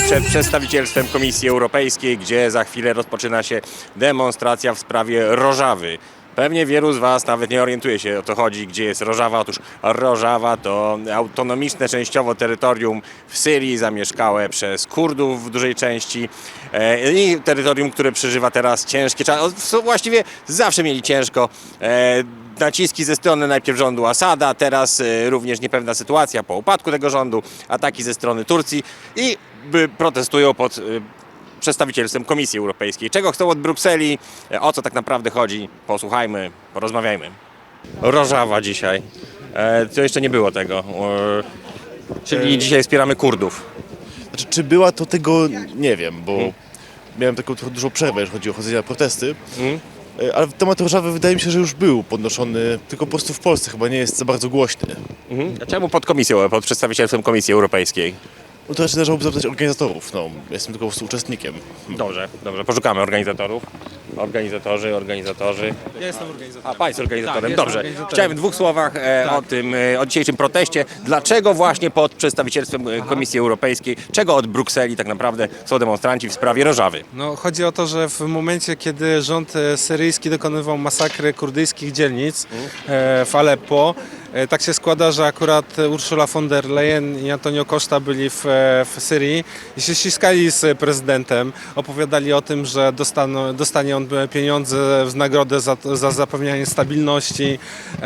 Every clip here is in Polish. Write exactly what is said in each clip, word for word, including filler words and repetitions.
przed przedstawicielstwem Komisji Europejskiej, gdzie za chwilę rozpoczyna się demonstracja w sprawie Rożawy. Pewnie wielu z Was nawet nie orientuje się, o co chodzi, gdzie jest Rożawa. Otóż Rożawa to autonomiczne częściowo terytorium w Syrii, zamieszkałe przez Kurdów w dużej części e, i terytorium, które przeżywa teraz ciężkie czasy. Właściwie zawsze mieli ciężko. E, Naciski ze strony najpierw rządu Asada, teraz e, również niepewna sytuacja po upadku tego rządu, ataki ze strony Turcji i by protestują pod e, przedstawicielstwem Komisji Europejskiej. Czego chcą od Brukseli, e, o co tak naprawdę chodzi, posłuchajmy, porozmawiajmy. Rożawa dzisiaj. E, to jeszcze nie było tego. E, czyli dzisiaj wspieramy Kurdów. Znaczy, czy była to tego, nie wiem, bo hmm. miałem taką trochę dużą przerwę, jeżeli chodzi o chodzenie na protesty. Hmm. Ale temat Rożawy wydaje mi się, że już był podnoszony, tylko po prostu w Polsce chyba nie jest za bardzo głośny. Mhm. A czemu pod komisją, pod przedstawicielstwem Komisji Europejskiej? No to raczej należałoby zapytać organizatorów, no, jestem tylko po prostu uczestnikiem. Dobrze, dobrze, poszukamy organizatorów. Organizatorzy, organizatorzy. Ja jestem organizatorem. A państwo organizatorem, Tak, dobrze. organizatorem. Chciałem w dwóch słowach e, Tak. o tym, e, o dzisiejszym proteście. Dlaczego właśnie pod przedstawicielstwem e, Komisji Europejskiej, czego od Brukseli tak naprawdę są demonstranci w sprawie Rożawy? No, chodzi o to, że w momencie, kiedy rząd e, syryjski dokonywał masakry kurdyjskich dzielnic e, w Aleppo, e, tak się składa, że akurat Ursula von der Leyen i Antonio Costa byli w, e, w Syrii i się ściskali z prezydentem. Opowiadali o tym, że dostaną, dostanie on pieniądze w nagrodę za, za zapewnianie stabilności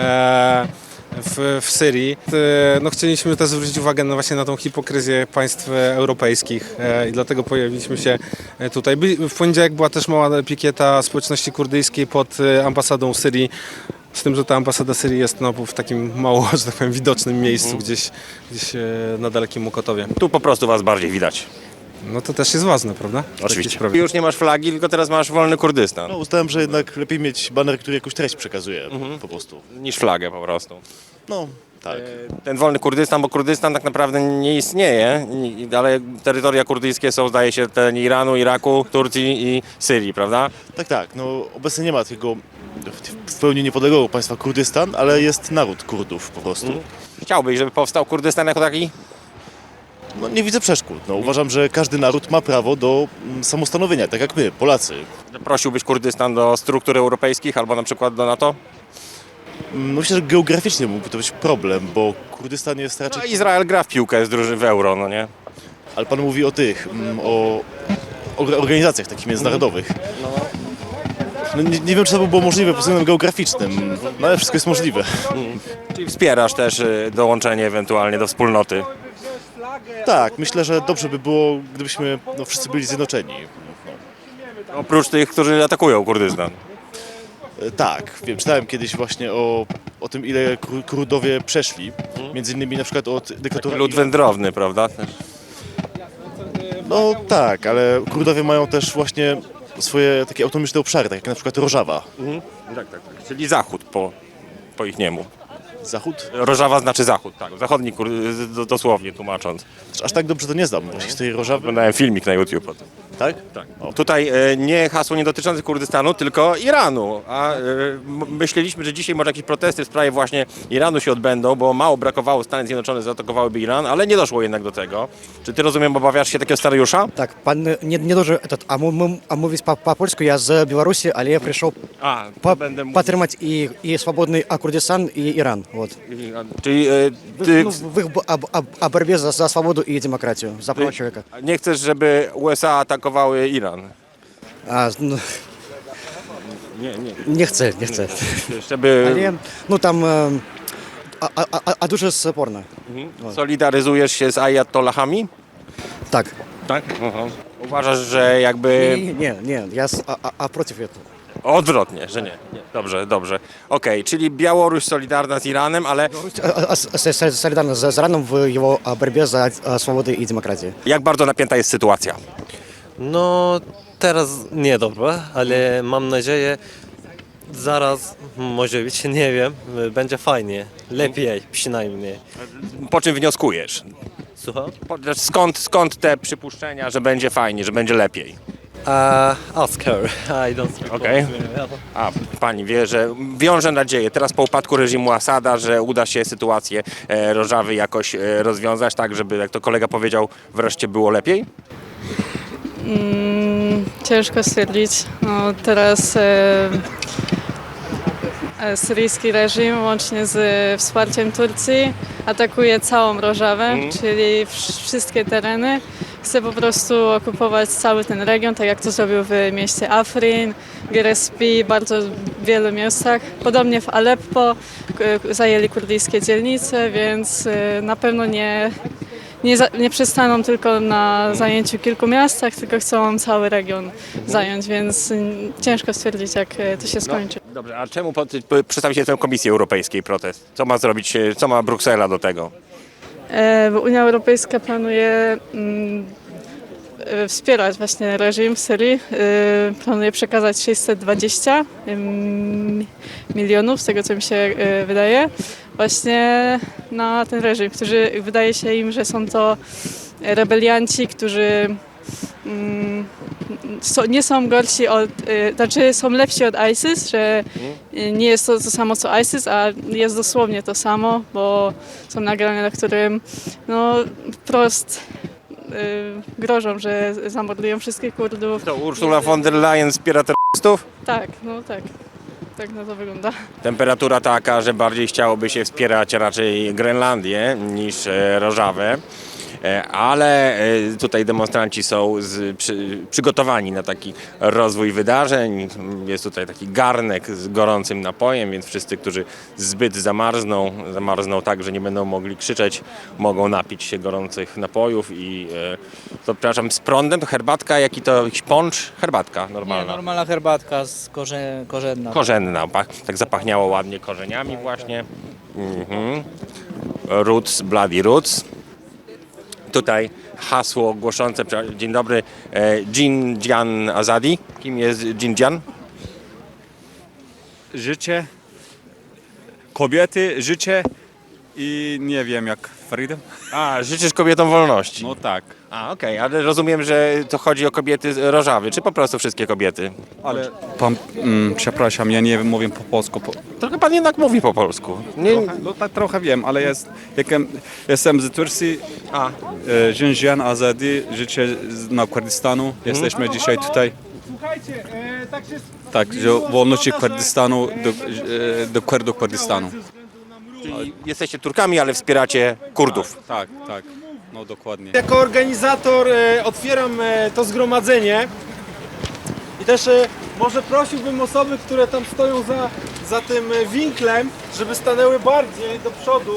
e, w, w Syrii. E, No, chcieliśmy też zwrócić uwagę na, właśnie na tą hipokryzję państw europejskich e, i dlatego pojawiliśmy się tutaj. By, w poniedziałek była też mała pikieta społeczności kurdyjskiej pod e, ambasadą Syrii. Z tym, że ta ambasada Syrii jest no, w takim mało, że tak powiem, widocznym miejscu, mm. gdzieś, gdzieś e, na dalekim Mokotowie. Tu po prostu Was bardziej widać. No to też jest ważne, prawda? W Oczywiście. takiej sprawie. Już nie masz flagi, tylko teraz masz wolny Kurdystan. No, uznałem, że jednak lepiej mieć baner, który jakąś treść przekazuje, mhm. po prostu. Niż flagę po prostu. No, tak. Ten wolny Kurdystan, bo Kurdystan tak naprawdę nie istnieje, i- ale terytoria kurdyjskie są, zdaje się, ten Iranu, Iraku, Turcji i Syrii, prawda? Tak, tak, no obecnie nie ma takiego w pełni niepodległego państwa Kurdystan, ale jest naród Kurdów po prostu. Mhm. Chciałbyś, żeby powstał Kurdystan jako taki? No nie widzę przeszkód. No, uważam, że każdy naród ma prawo do mm, samostanowienia, tak jak my, Polacy. Prosiłbyś Kurdystan do struktur europejskich albo na przykład do NATO? Mm, Myślę, że geograficznie mógłby to być problem, bo Kurdystan jest No, raczej... Izrael gra w piłkę z drużyny w euro, no nie? Ale pan mówi o tych, mm, o o organizacjach takich międzynarodowych. No, nie, nie wiem, czy to by było możliwe pod względem geograficznym, no ale wszystko jest możliwe. Czyli wspierasz też y, dołączenie ewentualnie do wspólnoty. Tak, myślę, że dobrze by było, gdybyśmy no, wszyscy byli zjednoczeni. Oprócz tych, którzy atakują Kurdystan. E, Tak, wiem, czytałem kiedyś właśnie o, o tym, ile Kur- Kurdowie przeszli, między innymi na przykład od dyktatury... Lud wędrowny, prawda? No tak, ale Kurdowie mają też właśnie swoje takie autonomiczne obszary, tak jak na przykład Rożawa. Mhm. Tak, tak, tak. Czyli zachód po, po ich niemu. Zachód? Rożawa znaczy zachód, tak. Zachodni, kur... d- dosłownie tłumacząc. Aż tak dobrze to nie znam historii Rożawy. Oglądałem filmik na YouTube o tym. Tak? Tak. Tutaj e, nie hasło nie dotyczące Kurdystanu, tylko Iranu. A e, m- myśleliśmy, że dzisiaj może jakieś protesty w sprawie właśnie Iranu się odbędą, bo mało brakowało, Stany Zjednoczone zaatakowałyby Iran, ale nie doszło jednak do tego. Czy ty, rozumiem, obawiasz się takiego scenariusza? Так, пан не, не дуже этот, а мы, мы, а мы по, по польську, я з Білорусі, але я прийшов A, по, będę mówił. підтримати і, і свободний а, Курдистан, і Іран. Вот. Czyli e, ty Ну, в їх бо- об, об, об боротьбі за, за свободу і демократію, за права чоловіка. nie chcesz, żeby U S A atakowały Iran? А, ну, Nie, nie. не chcę, не chcę. Żeby Але, ну там, е, а, а, а, а дуже спорно. solidaryzujesz się z ajatollahami? Так. Tak. Uważasz, że jakby... Ні, ні, ні, я с- а, а, а проти цього. Odwrotnie, że nie. nie. Dobrze, dobrze. Okej, czyli Białoruś solidarna z Iranem, ale А, а, с- с- солідарно з з Іраном в його а, боротьбі за а, свободу і демократію. jak bardzo napięta jest sytuacja? No teraz niedobre, ale mam nadzieję zaraz może być, nie wiem, będzie fajnie, lepiej przynajmniej. Po czym wnioskujesz? Słucham? Po, skąd, skąd te przypuszczenia, że będzie fajnie, że będzie lepiej? Uh, ask her, I don't speak Okej. Polish. A pani wie, że wiąże nadzieję teraz po upadku reżimu Asada, że uda się sytuację e, Rożawy jakoś e, rozwiązać tak, żeby, jak to kolega powiedział, wreszcie było lepiej? Mm, ciężko stwierdzić. No, teraz e, e, syryjski reżim łącznie z e, wsparciem Turcji atakuje całą Rożawę, czyli wsz- wszystkie tereny. Chce po prostu okupować cały ten region, tak jak to zrobił w mieście Afrin, Gerespi, bardzo wielu miejscach. Podobnie w Aleppo k- zajęli kurdyjskie dzielnice, więc e, na pewno nie nie, za, nie przystaną tylko na zajęciu kilku miastach, tylko chcą cały region zająć, więc mm, ciężko stwierdzić, jak e, to się skończy. Dobrze, a czemu pod, p- przedstawicie tę Komisji Europejskiej protest? Co ma zrobić, e, co ma Bruksela do tego? E, bo Unia Europejska planuje mm, e, wspierać właśnie reżim w Syrii. E, planuje przekazać sześćset dwadzieścia mm, milionów, z tego co mi się e, wydaje, właśnie na ten reżim, którzy wydaje się im, że są to rebelianci, którzy mm, so, nie są gorsi od, y, znaczy są lepsi od ISIS, że y, nie jest to to samo co ISIS, a jest dosłownie to samo, bo są nagrania, na którym no wprost y, grożą, że zamordują wszystkich Kurdów. To Ursula von der Leyen wspiera terrorystów? Tak, no tak. Tak na to wygląda. Temperatura taka, że bardziej chciałoby się wspierać raczej Grenlandię niż e, Rożawę. E, Ale e, tutaj demonstranci są z, przy, przygotowani na taki rozwój wydarzeń. Jest tutaj taki garnek z gorącym napojem, więc wszyscy, którzy zbyt zamarzną, zamarzną tak, że nie będą mogli krzyczeć, mogą napić się gorących napojów i e, to, przepraszam, z prądem to herbatka, jaki to jakiś poncz? Herbatka Nie, normalna. normalna herbatka z korze, korzenna. Korzenna, pach- tak zapachniało ładnie korzeniami właśnie. Mhm. Roots, bloody roots. Tutaj hasło głoszące, prze- dzień dobry, e, Jinjan Azadi. Kim jest Jinjan? Życie, kobiety, życie i nie wiem jak freedom. A, życzysz kobietom wolności. No tak, A, okej, ale rozumiem, że to chodzi o kobiety z Rożawy, czy po prostu wszystkie kobiety? ale pan, mm, przepraszam, ja nie mówię po polsku. Po, Trochę pan jednak mówi po polsku. Nie, trochę, no tak trochę wiem, ale jest, jakem, jestem z Turcji, a, e, Jinjan Azadi, życie z- na Kurdystanu. Jesteśmy dzisiaj tutaj. Tak, że wolności Kurdystanu do, e, do Kurdów Kurdystanu. czyli jesteście Turkami, ale wspieracie Kurdów. Tak, tak, no dokładnie. Jako organizator e, otwieram e, to zgromadzenie i też e, może prosiłbym osoby, które tam stoją za, za tym e, winklem, żeby stanęły bardziej do przodu,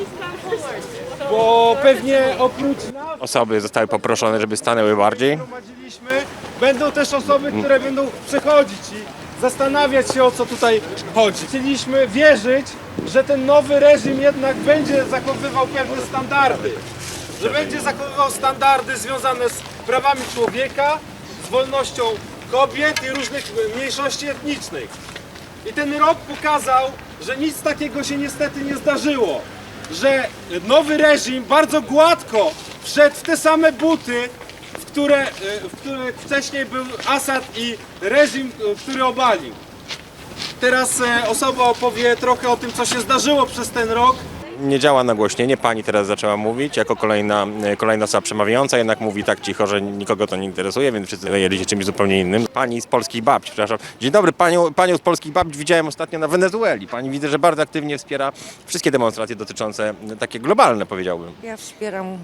bo pewnie oprócz nas Osoby zostały poproszone, żeby stanęły bardziej. gromadziliśmy, będą też osoby, które będą przechodzić i zastanawiać się, o co tutaj chodzi. Chcieliśmy wierzyć, że ten nowy reżim jednak będzie zachowywał pewne standardy. Że będzie zachowywał standardy związane z prawami człowieka, z wolnością kobiet i różnych mniejszości etnicznych. I ten rok pokazał, że nic takiego się niestety nie zdarzyło. Że nowy reżim bardzo gładko wszedł w te same buty, w które, w których wcześniej był Asad i reżim, który obalił. Teraz e, osoba opowie trochę o tym, co się zdarzyło przez ten rok. Nie działa nagłośnienie, pani teraz zaczęła mówić jako kolejna, kolejna osoba przemawiająca, jednak mówi tak cicho, że nikogo to nie interesuje, więc wszyscy zajęli się czymś zupełnie innym. Pani z Polskich Babci, przepraszam. Dzień dobry, panią, panią z Polskich Babci widziałem ostatnio na Wenezueli. Pani widzę, że bardzo aktywnie wspiera wszystkie demonstracje dotyczące, takie globalne powiedziałbym. Ja wspieram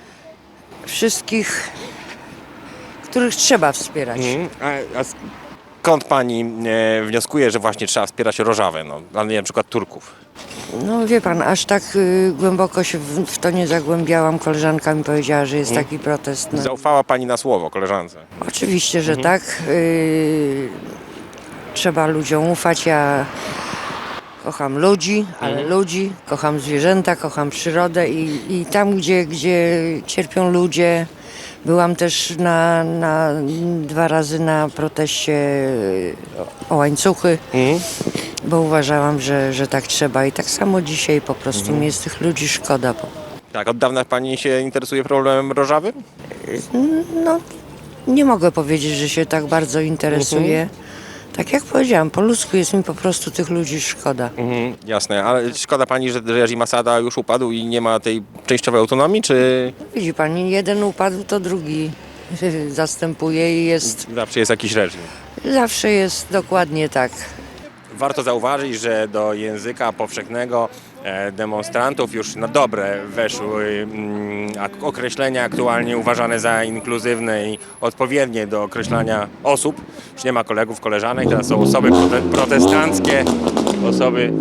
wszystkich, których trzeba wspierać. Mhm. A, a skąd pani e, wnioskuje, że właśnie trzeba wspierać Rożawę, no, a nie na przykład Turków? No wie pan, aż tak y, głęboko się w, w to nie zagłębiałam. Koleżanka mi powiedziała, że jest taki protest. No. Zaufała pani na słowo koleżance. Oczywiście, że tak. Y, trzeba ludziom ufać. Ja kocham ludzi, ale ludzi, kocham zwierzęta, kocham przyrodę i, i tam, gdzie, gdzie cierpią ludzie. Byłam też na, na dwa razy na proteście o, o łańcuchy, bo uważałam, że, że tak trzeba i tak samo dzisiaj po prostu mi jest tych ludzi szkoda. Bo, Tak, od dawna pani się interesuje problemem Rożawy? no, nie mogę powiedzieć, że się tak bardzo interesuję. Tak jak powiedziałam, po ludzku jest mi po prostu tych ludzi szkoda. Mhm, jasne, ale szkoda pani, że reżim Asada już upadł i nie ma tej częściowej autonomii, czy... Widzi pani, jeden upadł, to drugi zastępuje i jest, Zawsze jest jakiś reżim. zawsze jest dokładnie tak. Warto zauważyć, że do języka powszechnego e, demonstrantów już na dobre weszły mm, ak- określenia aktualnie uważane za inkluzywne i odpowiednie do określania osób. Już nie ma kolegów, koleżanek, teraz są osoby prote- protestanckie, osoby,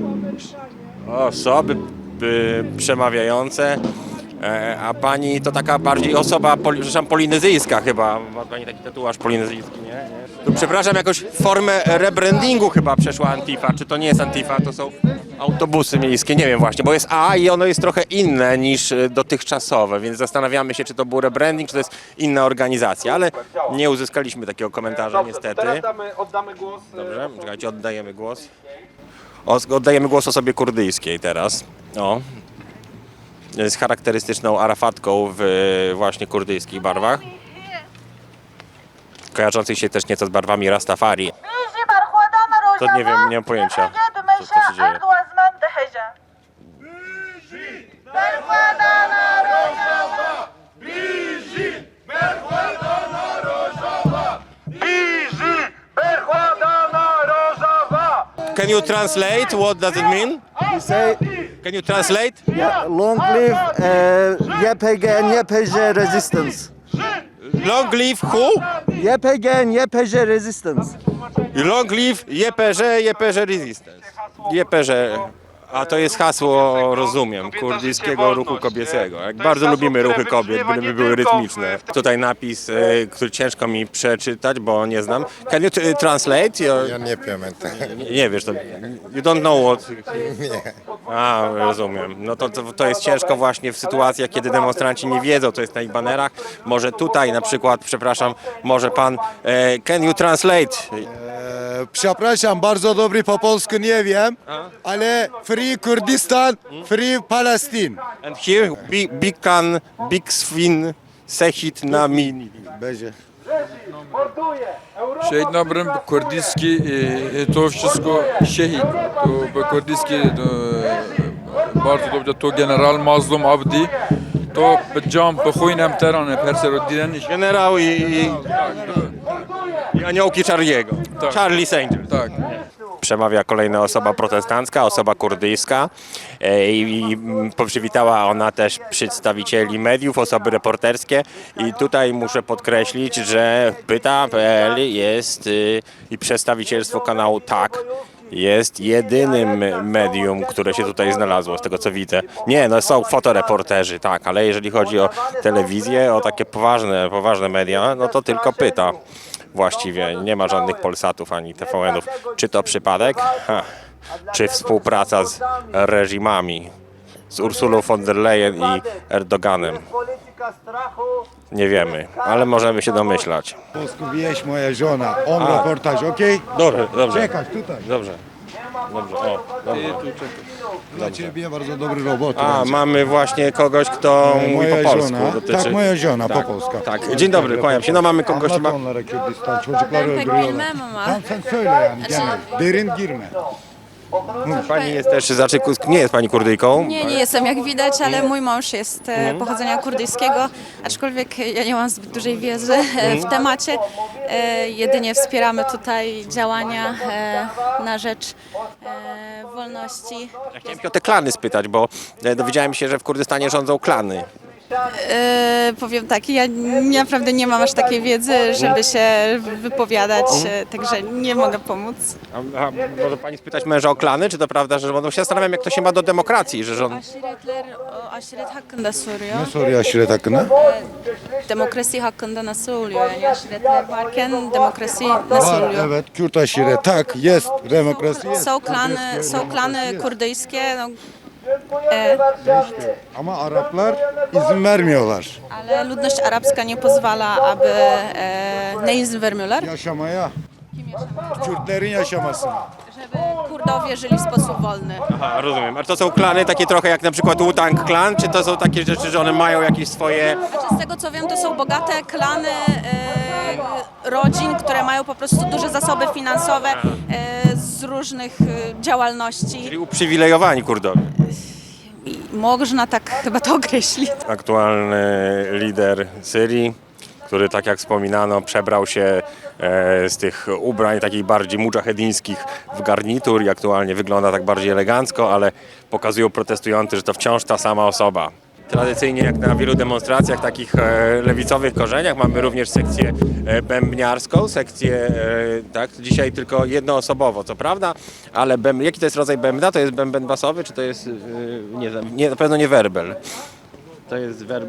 osoby y, przemawiające. E, a pani to taka bardziej osoba poli, przepraszam, polinezyjska chyba. Ma pani taki tatuaż polinezyjski, nie? nie? Tu, przepraszam, jakoś formę rebrandingu chyba przeszła Antifa. Czy to nie jest Antifa, to są autobusy miejskie, nie wiem właśnie, bo jest A i ono jest trochę inne niż e, dotychczasowe, więc zastanawiamy się, czy to był rebranding, czy to jest inna organizacja, ale nie uzyskaliśmy takiego komentarza niestety. oddamy głos. Dobrze, czekajcie, oddajemy głos. O, oddajemy głos osobie kurdyjskiej teraz. O. Z charakterystyczną arafatką w e, właśnie kurdyjskich barwach. Kojarzących się też nieco z barwami Rastafari. To nie wiem, nie mam pojęcia, co, co się dzieje. Can you translate? What does it mean? Say, Can you translate? long live uh, Y P G and Y P J resistance. Long live who? Y P G and Y P J resistance. Long live Y P Ż, Y P Ż Resistance. Y P Ż. A to jest hasło, rozumiem, kurdyjskiego ruchu kobiecego. Jak bardzo lubimy ruchy kobiet, byleby były rytmiczne. Tutaj napis, e, który ciężko mi przeczytać, bo nie znam. Can you t- translate? Your... Ja nie pamiętam. Nie, nie wiesz, to you don't know what... Nie. A, rozumiem. No to, to, to jest ciężko właśnie w sytuacjach, kiedy demonstranci nie wiedzą, co jest na ich banerach. Może tutaj na przykład, przepraszam, może pan, e, can you translate? E, przepraszam, bardzo dobry po polsku nie wiem, ale Free Kurdistan, Free Palestine. And here, big, big can, big swin, sehit na mini. Będzie. Шehit Nabrym kurdyjski to wszystko şehit. To kurdyjski bardzo dobrze to general Mazlum Abdi to bjam bkhujnem terane perserodiden Generał i, i, i aniołki Charlie'ego. Tak. Charlie's Angels. tak. Przemawia kolejna osoba protestancka, osoba kurdyjska e, i, i przywitała ona też przedstawicieli mediów, osoby reporterskie i tutaj muszę podkreślić, że pyta kropka p l jest y, i przedstawicielstwo kanału Tak jest jedynym medium, które się tutaj znalazło, z tego co widzę. Nie, no są fotoreporterzy, tak, ale jeżeli chodzi o telewizję, o takie poważne, poważne media, no to tylko Pyta. Właściwie nie ma żadnych Polsatów ani T V N-ów. Czy to przypadek? Ha. Czy współpraca z reżimami? Z Ursulą von der Leyen i Erdoganem? Nie wiemy, ale możemy się domyślać. Polsku wieś moja żona, on A. reportaż, okej? Dobrze, dobrze. Czekać tutaj. Dobrze. Dobrze, o, dobrze. Dla ciebie bardzo dobry robot. A, mamy właśnie kogoś, kto mówi moja po polsku. żona, dotyczy- tak, moja żona Tak, po polsku. Tak, dzień dobry, kłaniam się. No mamy kogoś chyba... Anlatonlara Kürdistan, çocukları Ben pek öldürüyorlar. bilmem ama. Tamam sen söyle yani genel. Derin girme. Pani jest też, znaczy nie jest pani Kurdyjką? Nie, nie jestem jak widać, ale mój mąż jest e, pochodzenia kurdyjskiego, aczkolwiek ja nie mam zbyt dużej wiedzy e, w temacie. E, jedynie wspieramy tutaj działania e, na rzecz e, wolności. Ja chciałem się o te klany spytać, bo e, dowiedziałem się, że w Kurdystanie rządzą klany. E, powiem tak, ja naprawdę nie mam aż takiej wiedzy, żeby się wypowiadać, e, także nie mogę pomóc. A, a może pani spytać męża o klany, czy to prawda, że rządzą? Się zastanawiam, jak to się ma do demokracji, że rząd... Aşiretler, o aşiret hakkında soruyor. Ne soruyor aşiret hakkında? Demokrasi hakkında nasıl oluyor? Yani aşiretler varken demokrasi nasıl Var, oluyor? evet, Kürt aşiret, tak, jest, demokrasi jest. Są klany, są klany kurdyjskie, no, e, Ama Araplar izin vermiyorlar ale ludność arabska nie pozwala, aby e, ne izin vermiyorlar, yaşamaya. Kürtlerin yaşamasına. żeby Kurdowie żyli w sposób wolny. Aha, rozumiem. A to są klany takie trochę jak na przykład Wu-Tang Klan, czy to są takie rzeczy, że one mają jakieś swoje... Znaczy, z tego co wiem, to są bogate klany e, rodzin, które mają po prostu duże zasoby finansowe e, z różnych e, działalności. Czyli uprzywilejowani Kurdowie. I można tak chyba to określić. Aktualny lider Syrii, który, tak jak wspominano, przebrał się e, z tych ubrań takich bardziej mudżahedyńskich w garnitur i aktualnie wygląda tak bardziej elegancko, ale pokazują protestujący, że to wciąż ta sama osoba. Tradycyjnie, jak na wielu demonstracjach takich e, lewicowych korzeniach, mamy również sekcję e, bębniarską, sekcję, e, tak, dzisiaj tylko jednoosobowo, co prawda, ale bęb, jaki to jest rodzaj bębna? To jest bęben basowy, czy to jest, e, nie, nie, na pewno nie werbel. To jest wer...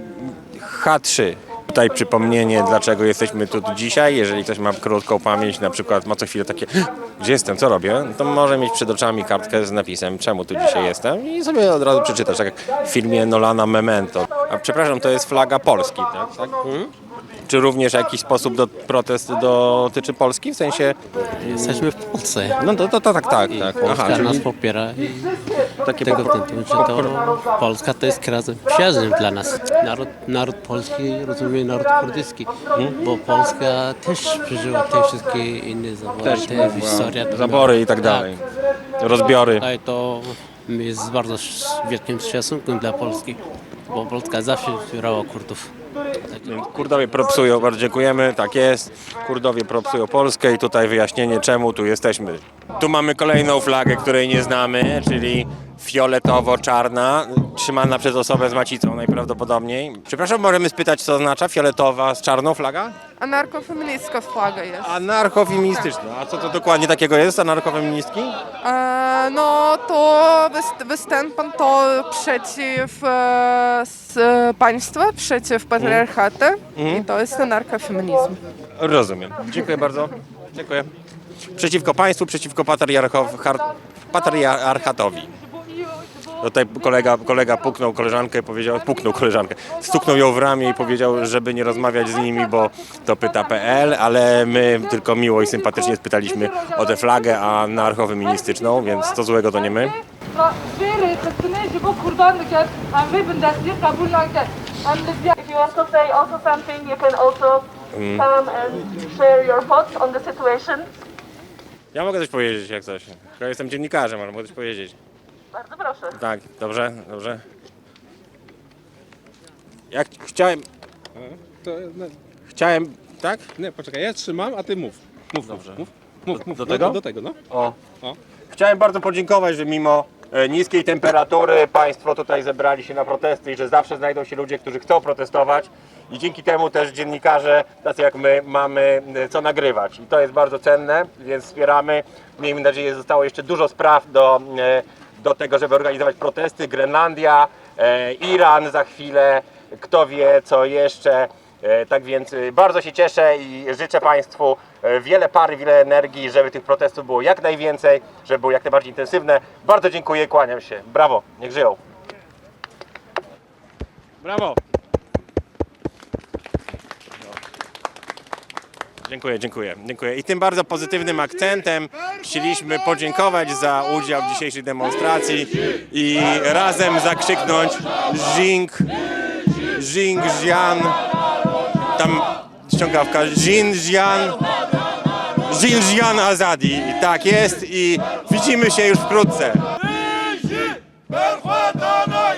H trzy. Tutaj przypomnienie, dlaczego jesteśmy tu dzisiaj. Jeżeli ktoś ma krótką pamięć, na przykład ma co chwilę takie, gdzie jestem, co robię, to może mieć przed oczami kartkę z napisem, czemu tu dzisiaj jestem i sobie od razu przeczytać, tak jak w filmie Nolana Memento. A przepraszam, to jest flaga Polski, tak? tak? Hmm? Czy również w jakiś sposób do, protest dotyczy Polski? W sensie... Jesteśmy w Polsce. No to, to, to tak, tak. I tak. Polska Aha, czyli nas popiera i takie tego po- tytułu, że to Polska to jest kraj przyjazny dla nas. Naród, naród polski rozumie naród kurdyjski, bo Polska też przeżyła te wszystkie inne zabory, Też te była historia. zabory i tak dalej. Rozbiory. Tak, to jest z bardzo wielkim szacunkiem dla Polski, bo Polska zawsze wspierała Kurdów. Kurdowie propsują, bardzo dziękujemy, tak jest. Kurdowie propsują Polskę i tutaj wyjaśnienie, czemu tu jesteśmy. Tu mamy kolejną flagę, której nie znamy, czyli fioletowo-czarna, trzymana przez osobę z macicą najprawdopodobniej. Przepraszam, możemy spytać, co oznacza fioletowa z czarną flaga? Anarchofeministyczna flaga jest. Anarchofeministyczna. A co to dokładnie takiego jest, anarchofeministki? E, no to wys- występem to przeciw e, s, państwa, przeciw patriarchaty i to jest anarchofeminizm. Rozumiem. Dziękuję bardzo. Dziękuję. Przeciwko państwu, przeciwko patriarchow- har- patriarchatowi. Tutaj kolega, kolega puknął koleżankę, powiedział, puknął koleżankę, stuknął ją w ramię i powiedział, żeby nie rozmawiać z nimi, bo to pyta kropka pe el, ale my tylko miło i sympatycznie spytaliśmy o tę flagę anarchofeministyczną, więc co złego to nie my. Mm. Ja mogę coś powiedzieć, jak coś. Ja jestem dziennikarzem, ale mogę coś powiedzieć. Bardzo proszę. Tak, dobrze, dobrze. Jak chciałem... To, no, Chciałem, tak? nie, poczekaj, ja trzymam, a ty mów. Mów, Dobrze. mów, mów, mów, mów. Do No, tego? Do tego, no. O. O. Chciałem bardzo podziękować, że mimo e, niskiej temperatury Państwo tutaj zebrali się na protesty i że zawsze znajdą się ludzie, którzy chcą protestować i dzięki temu też dziennikarze, tacy jak my, mamy e, co nagrywać i to jest bardzo cenne, więc wspieramy. Miejmy nadzieję, że zostało jeszcze dużo spraw do, e, do tego, żeby organizować protesty. Grenlandia, e, Iran za chwilę, kto wie co jeszcze. E, Tak więc e, bardzo się cieszę i życzę Państwu e, wiele pary, wiele energii, żeby tych protestów było jak najwięcej, żeby były jak najbardziej intensywne. Bardzo dziękuję, kłaniam się. Brawo, niech żyją. Brawo. Dziękuję, dziękuję, dziękuję. I tym bardzo pozytywnym akcentem chcieliśmy podziękować za udział w dzisiejszej demonstracji i razem zakrzyknąć Jing, Jing, Jian, tam ściągawka, Jin, Jian, Jin, Jian Azadi. I tak jest i widzimy się już wkrótce.